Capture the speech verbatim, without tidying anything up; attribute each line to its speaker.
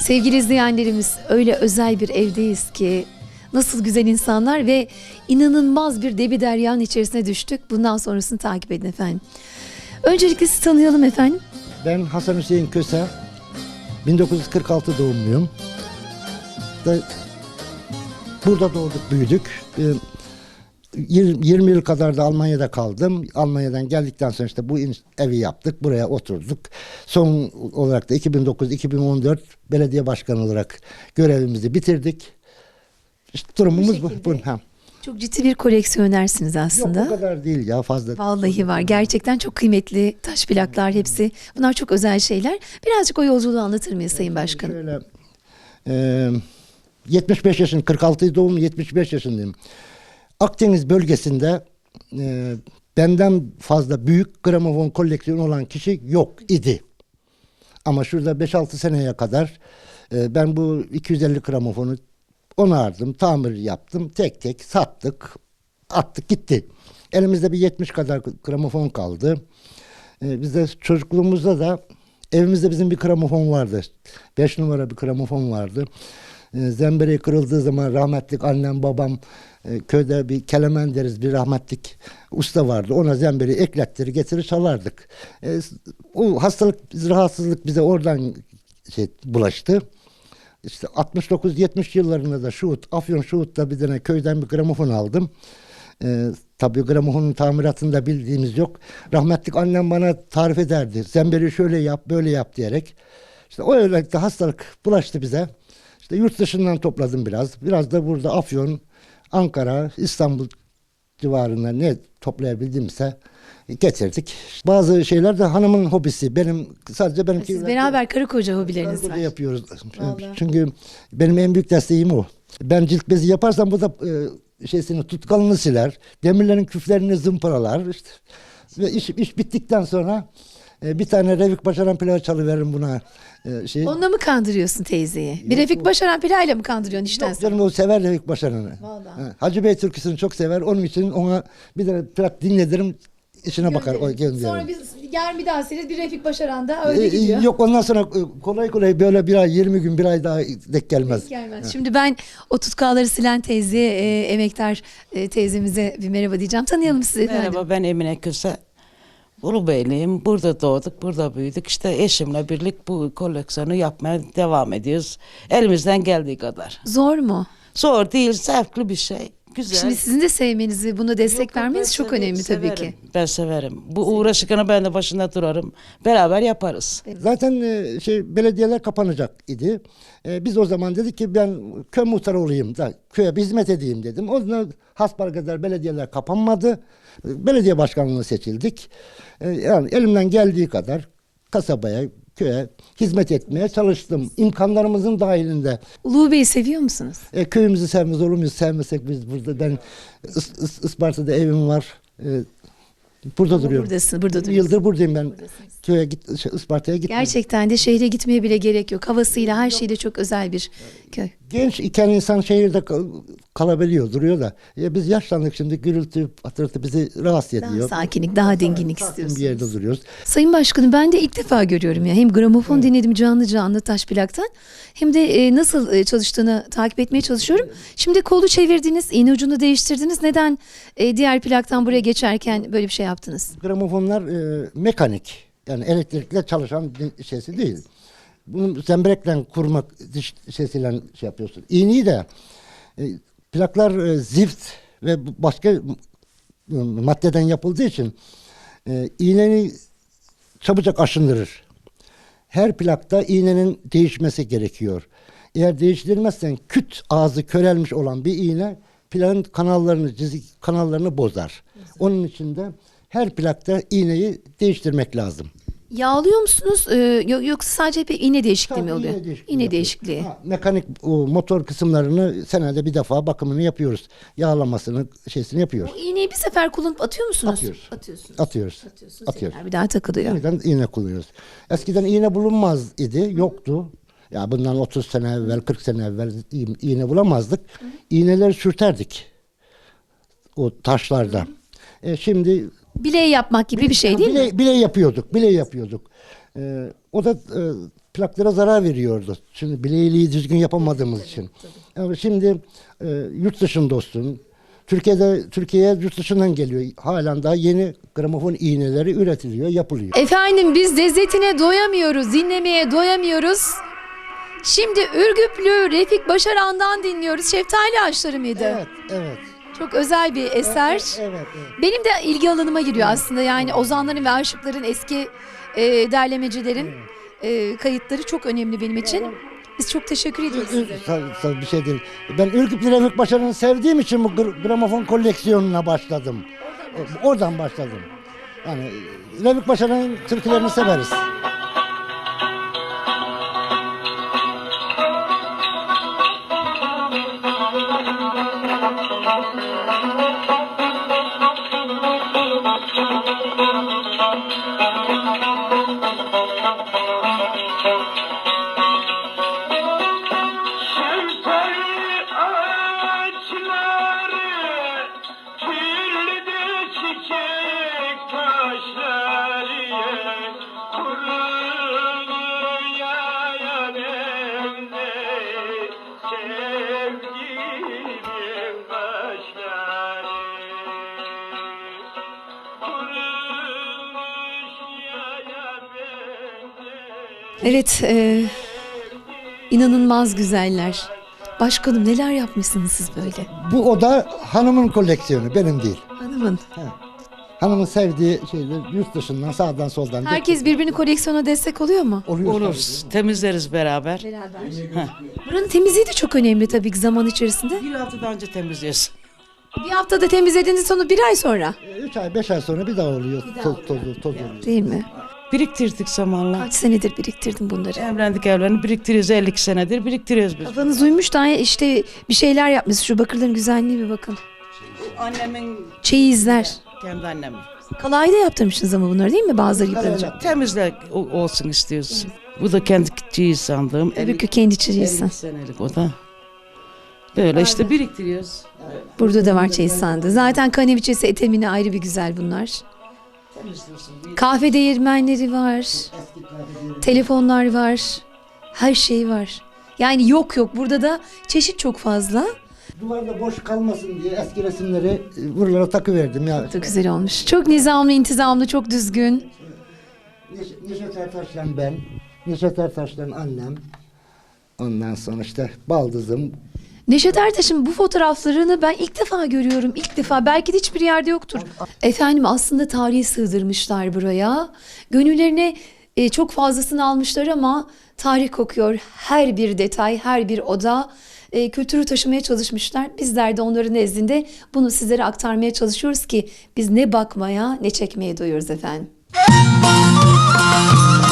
Speaker 1: Sevgili izleyenlerimiz, öyle özel bir evdeyiz ki nasıl güzel insanlar ve inanılmaz bir debi deryanın içerisine düştük. Bundan sonrasını takip edin efendim. Öncelikle sizi tanıyalım efendim.
Speaker 2: Ben Hasan Hüseyin Köse, bin dokuz yüz kırk altı doğumluyum. Da burada doğduk, büyüdük. Ee, yirmi yıl kadar da Almanya'da kaldım. Almanya'dan geldikten sonra işte bu evi yaptık, buraya oturduk. Son olarak da iki bin dokuz iki bin on dört belediye başkanı olarak görevimizi bitirdik. İşte durumumuz bu. bu. Ha.
Speaker 1: Çok ciddi bir koleksiyonersiniz aslında.
Speaker 2: Yok, o kadar değil ya, fazla.
Speaker 1: Vallahi var. Gerçekten çok kıymetli taş plaklar hepsi. Bunlar çok özel şeyler. Birazcık o yolculuğu anlatır mıyız Sayın Başkanım?
Speaker 2: Şöyle, e, yetmiş beş yaşın, kırk altı doğumlu, yetmiş beş yaşındayım. Akdeniz bölgesinde e, benden fazla büyük gramofon koleksiyonu olan kişi yok idi. Ama şurada beş altı seneye kadar e, ben bu iki yüz elli gramofonu onardım, tamir yaptım, tek tek sattık, attık gitti. Elimizde bir yetmiş kadar gramofon kaldı. E, bizde çocukluğumuzda da evimizde bizim bir gramofon vardı. beş numara bir gramofon vardı. E, zembereği kırıldığı zaman rahmetlik annem babam e, köyde bir kelemen deriz, bir rahmetlik usta vardı. Ona zembereği eklettirir getirir çalardık. E, o hastalık, rahatsızlık bize oradan şey, bulaştı. İşte altmış dokuz yetmiş yıllarında da Şuhut, Afyon Şuhut'ta bir tane köyden bir gramofon aldım. Ee, tabii gramofonun tamiratını da bildiğimiz yok. Rahmetlik annem bana tarif ederdi. Zemberi şöyle yap, böyle yap diyerek. İşte o özellikle hastalık bulaştı bize. İşte yurt dışından topladım biraz. Biraz da burada Afyon, Ankara, İstanbul civarında ne toplayabildimse getirdik. Bazı şeyler de hanımın hobisi. Benim sadece benimki.
Speaker 1: Siz beraber karı koca hobileriniz var.
Speaker 2: Burada yapıyoruz.
Speaker 1: Vallahi.
Speaker 2: Çünkü benim en büyük desteğim o. Ben cilt bezi yaparsam bu da e, şeysini, tutkalını siler. Demirlerin küflerini zımparalar. İşte. Ve iş, iş bittikten sonra e, bir tane Refik Başaran plağı çalıveririm buna. E, şey.
Speaker 1: Onunla mı kandırıyorsun teyzeyi? Bir Refik Başaran plağıyla mı kandırıyorsun işten
Speaker 2: Yok
Speaker 1: sonra?
Speaker 2: canım, o sever Refik Başaran'ı.
Speaker 1: Vallahi.
Speaker 2: Ha, Hacı Bey türküsünü çok sever. Onun için ona bir de plak dinletirim. İşine bakar. O gönderirim.
Speaker 1: Sonra biz yarın bir daha seniz bir Refik Başaran da öyle
Speaker 2: E,
Speaker 1: gidiyor.
Speaker 2: Yok, ondan sonra e, kolay kolay böyle bir ay, yirmi gün, bir ay daha denk gelmez.
Speaker 1: Gelmez. Şimdi ben o tutkalları silen teyzeye, e, emektar e, teyzemize bir merhaba diyeceğim. Tanıyalım sizi efendim.
Speaker 3: Merhaba, ben Emine Köse. Ulubeyliyim. Burada doğduk, burada büyüdük. İşte eşimle birlik bu koleksiyonu yapmaya devam ediyoruz. Elimizden geldiği kadar.
Speaker 1: Zor mu?
Speaker 3: Zor değil, zevkli bir şey. Güzel.
Speaker 1: Şimdi sizin de sevmenizi, buna destek
Speaker 3: Yok, yok,
Speaker 1: vermeniz
Speaker 3: ben
Speaker 1: çok
Speaker 3: severim,
Speaker 1: önemli tabii
Speaker 3: severim.
Speaker 1: ki.
Speaker 3: Ben severim. Bu uğraşıkını ben de başında durarım. Beraber yaparız.
Speaker 2: Zaten e, şey belediyeler kapanacak idi. E, biz o zaman dedik ki ben köy muhtarı olayım da köye bir hizmet edeyim dedim. O zaman hasbelkader belediyeler kapanmadı. E, Belediye başkanlığına seçildik. E, yani elimden geldiği kadar kasabaya, köye hizmet etmeye çalıştım. İmkanlarımızın dahilinde.
Speaker 1: Ulu Bey'i seviyor musunuz?
Speaker 2: E, köyümüzü sevmez olur muyuz? Sevmesek biz burada. Ben Is, Is, Isparta'da evim var. E, burada duruyorum.
Speaker 1: Buradasın, burada
Speaker 2: Bir
Speaker 1: duruyorsun.
Speaker 2: yıldır buradayım ben. Köye git, şey, Isparta'ya gitmedim.
Speaker 1: Gerçekten de şehre gitmeye bile gerek yok. Havasıyla, her şeyle çok özel bir köy.
Speaker 2: Genç iken insan şehirde kal- kalabiliyor, duruyor da. Ya biz yaşlandık şimdi, gürültü, patırtı bizi rahatsız
Speaker 1: Daha
Speaker 2: ediyor.
Speaker 1: sakinlik, daha dinginlik
Speaker 2: Sakin
Speaker 1: istiyorsunuz.
Speaker 2: bir yerde duruyoruz.
Speaker 1: Sayın Başkanım, ben de ilk defa görüyorum ya. Hem gramofon dinledim canlı canlı taş plaktan, hem de e, nasıl e, çalıştığını takip etmeye çalışıyorum. Şimdi kolu çevirdiniz, iğne ucunu değiştirdiniz. Neden e, diğer plaktan buraya geçerken böyle bir şey yaptınız?
Speaker 2: Gramofonlar e, mekanik, yani elektrikle çalışan bir şeysi değil. Bunu zemberekle kurmak diş şeysiyle şey yapıyorsun. İğneyi de e, plaklar e, zift ve bu- başka e, maddeden yapıldığı için e, iğneni çabucak aşındırır. Her plakta iğnenin değişmesi gerekiyor. Eğer değiştirilmezsen küt ağzı körelmiş olan bir iğne plakın kanallarını, çizik kanallarını bozar. Onun için de her plakta iğneyi değiştirmek lazım.
Speaker 1: Yağlıyor musunuz? Ee, yo- yoksa sadece hep iğne değişikliği mi
Speaker 2: Tabii
Speaker 1: oluyor?
Speaker 2: iğne değişikliği
Speaker 1: İğne
Speaker 2: yapıyoruz.
Speaker 1: değişikliği.
Speaker 2: Ha, mekanik o, motor kısımlarını senede bir defa bakımını yapıyoruz. Yağlamasını, şeysini yapıyoruz.
Speaker 1: O iğneyi bir sefer kullanıp atıyor musunuz?
Speaker 2: Atıyoruz.
Speaker 1: Atıyorsunuz.
Speaker 2: Atıyoruz.
Speaker 1: Atıyorsunuz.
Speaker 2: Atıyoruz.
Speaker 1: Tekrar bir daha takılıyor.
Speaker 2: Yeniden iğne kullanıyoruz. Eskiden iğne bulunmaz idi, yoktu. Ya bundan otuz sene evvel, kırk sene evvel i- iğne bulamazdık. İğneleri sürterdik o taşlarda. E şimdi
Speaker 1: Bileği yapmak gibi bir şey değil mi?
Speaker 2: bile, bile yapıyorduk, bile yapıyorduk. E, o da e, plaklara zarar veriyordu. Şimdi bileğiliği düzgün yapamadığımız için. Yani şimdi e, yurt dışında olsun. Türkiye'de Türkiye'ye yurt dışından geliyor. Halen daha yeni gramofon iğneleri üretiliyor, yapılıyor.
Speaker 1: Efendim biz lezzetine doyamıyoruz, dinlemeye doyamıyoruz. Şimdi Ürgüplü Refik Başaran'dan dinliyoruz. Şeftali Ağaçları mıydı?
Speaker 2: Evet, evet.
Speaker 1: Çok özel bir eser.
Speaker 2: Evet, evet, evet.
Speaker 1: Benim de ilgi alanıma giriyor aslında. Yani ozanların ve aşıkların, eski e, derlemecilerin e, kayıtları çok önemli benim için. Biz çok teşekkür ediyoruz size.
Speaker 2: Tabii, tabii bir şey değil. Ben Ürgüplü Refik Başaran'ı sevdiğim için bu gr- gramofon koleksiyonuna başladım. Oradan, Oradan başladım. Yani Refik Başaran'ın türkülerini severiz.
Speaker 4: Şeftali ağaçları, kirli çiçek taşları, kuruluyor yanemde sevgilim başları. Kurulmuş yaya bende.
Speaker 1: Evet, e, inanılmaz güzeller. Başkanım neler yapmışsınız siz böyle?
Speaker 2: Bu oda hanımın koleksiyonu, benim değil.
Speaker 1: Hanımın.
Speaker 2: Hanımın sevdiği şeyler yurt dışından, sağdan soldan.
Speaker 1: Herkes birbirini koleksiyona destek oluyor mu?
Speaker 2: oluyor.
Speaker 3: Olur. Temizleriz beraber.
Speaker 1: Beraber. Buranın temizliği de çok önemli tabii ki zaman içerisinde.
Speaker 3: Bir haftadan önce temizliyoruz.
Speaker 1: Bir haftada temizlediğiniz sonra bir ay sonra.
Speaker 2: Üç ay, beş ay sonra bir daha oluyor. Toz, toz, toz oluyor.
Speaker 1: Değil mi?
Speaker 3: Biriktirdik zamanla.
Speaker 1: Kaç senedir biriktirdim bunları.
Speaker 3: Evlendik evlendik biriktiriyoruz elli iki senedir biriktiriyoruz biz.
Speaker 1: Kafanız uymuş da işte bir şeyler yapmış. Şu bakırların güzelliğine bir bakın.
Speaker 3: Annemin
Speaker 1: Çeyizler.
Speaker 3: kendi annemin.
Speaker 1: Kalayda yaptırmışsınız ama bunları değil mi? Bazıları yıpranacak.
Speaker 3: Temizle o- olsun istiyoruz. Bu da kendi çiğ sandığım.
Speaker 1: Öbürkü kendi çeyizsen.
Speaker 3: elli senelik o da. Böyle işte biriktiriyoruz.
Speaker 1: Burada da var çeyiz sandığı. Zaten kaneviçesi, etemini ayrı bir güzel bunlar. Kahve değirmenleri var. Telefonlar var. Her şey var. Yani yok yok. Burada da çeşit çok fazla.
Speaker 2: Duvarda boş kalmasın diye eski resimleri e, buralara takıverdim ya.
Speaker 1: Çok güzel olmuş. Çok nizamlı, intizamlı, çok düzgün.
Speaker 2: Neş- Neşet Ertaş'la ben, Neşet Ertaş'la annem. Ondan sonra işte baldızım.
Speaker 1: Neşet Ertaş'ın bu fotoğraflarını ben ilk defa görüyorum. İlk defa. Belki de hiçbir yerde yoktur. Efendim aslında tarihi sığdırmışlar buraya. Gönüllerine e, çok fazlasını almışlar ama tarih kokuyor. Her bir detay, her bir oda e, kültürü taşımaya çalışmışlar. Bizler de onların nezdinde bunu sizlere aktarmaya çalışıyoruz ki biz ne bakmaya ne çekmeye doyuyoruz efendim.